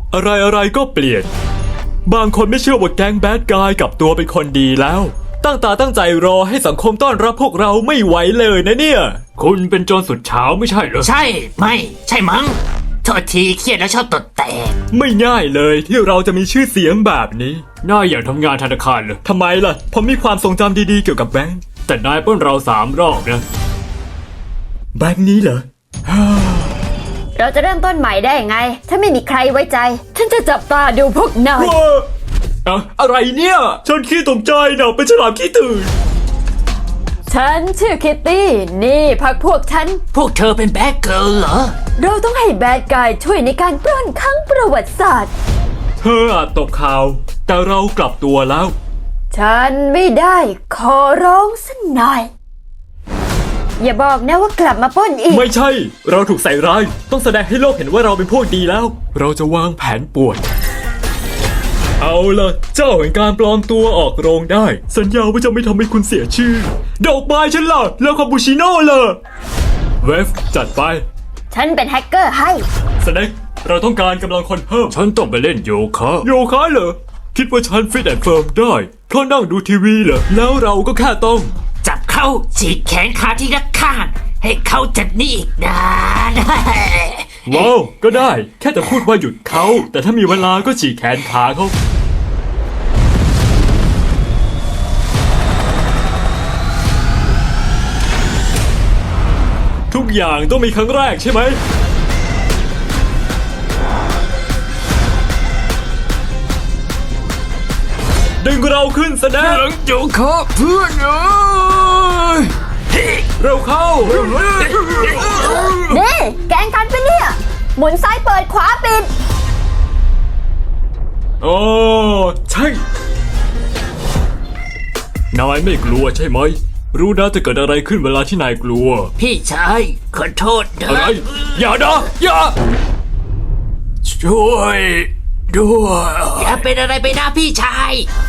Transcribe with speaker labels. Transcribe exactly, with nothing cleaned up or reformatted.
Speaker 1: อะไรอะไรก็เปลี่ยนบางคนไม่เชื่อว่าแก๊งแบดกายกลับตัวเป็นคนดีแล้วตั้งตาตั้งใจรอให้สังคมต้อนรับพวกเราไม่ไหวเลยนะเนี่ยคุณเป็นโจรสุดเฉาไม่ใช่เหรอ
Speaker 2: ใช่ไม่ใช่มั้งโทษทีเครียดแล้วชอบตดแตก
Speaker 1: ไม่ง่ายเลยที่เราจะมีชื่อเสียงแบบนี้นายอยากทำงานธนาคารเหรอทำไมล่ะผมมีความทรงจำดีๆเกี่ยวกับแบงค์แต่นายปล้นเราสามรอบนะแบงค์นี้เหรอ
Speaker 3: เราจะเริ่มต้นใหม่ได้ไง ถ้าไม่มีใครไว้ใจ ฉันจะจับตาดูพวกนาย
Speaker 1: ว้าอะอะไรเนี่ยฉันขี้ตกใจนะเป็นฉลามขี้ตื่น
Speaker 3: ฉันชื่อคิตตี้ นี่พักพวกฉัน
Speaker 2: พวกเธอเป็นแบดเกิร์ลเหรอ
Speaker 3: เราต้องให้แบดกายช่วยในการปล้นครั้งประวัติศาสตร์
Speaker 1: เธออาจตกข่าวแต่เรากลับตัวแล้ว
Speaker 3: ฉันไม่ได้ขอร้องสักหน่อย อย่าบอกนะว่ากลับมาปล้นอีก
Speaker 1: ไม่ใช่ เราถูกใส่ร้ายต้องแสดงให้โลกเห็นว่าเราเป็นพวกดีแล้ว เราจะวางแผนป่วนเอาล่ะเจ้าแห่งการปลอมตัวออกโรงได้ สัญญาว่าจะไม่ทำให้คุณเสียชื่อ ดอกไม้ฉันล่ะแล้วคาปูชิโน่ล่ะเวฟจัดไป
Speaker 3: ฉันเป็นแฮกเกอร์ให้
Speaker 1: สเน็กเราต้องการกำลังคนเพิ่มฉันต้องไปเล่นโยคะโยคะเหรอคิดว่าฉันฟิตแอนด์เฟิร์มได้เพราะนั่งดูทีวีเหรอแล้วเราก็แค่ต้อง
Speaker 2: จับเข้าฉีกแขนขาที่รักข้างให้เขาจัดนี่อีกนาน
Speaker 1: ว้าวก็ได้แค่แต่พูดว่าหยุดเขาแต่ถ้ามีเวลาก็ฉีกแขนขาเขาทุกอย่างต้องมีครั้งแรกใช่ไหมดึงเราขึ้นแสดงหลังโยคะเพื่อนเอ้ยเร็วเข้า
Speaker 3: นี่แกงกันไปะเนี่ย หมุนซ้ายเปิดขวาปิด
Speaker 1: โอ้ใช่นายไม่กลัวใช่ไหมรู้นะจะเกิดอะไรขึ้นเวลาที่นายกลัว
Speaker 2: พี่ชายขอโทษนะ
Speaker 1: อะไรอย่านะอย่าช่วยด้วย
Speaker 2: อย่าเป็นอะไรไปนะพี่ชาย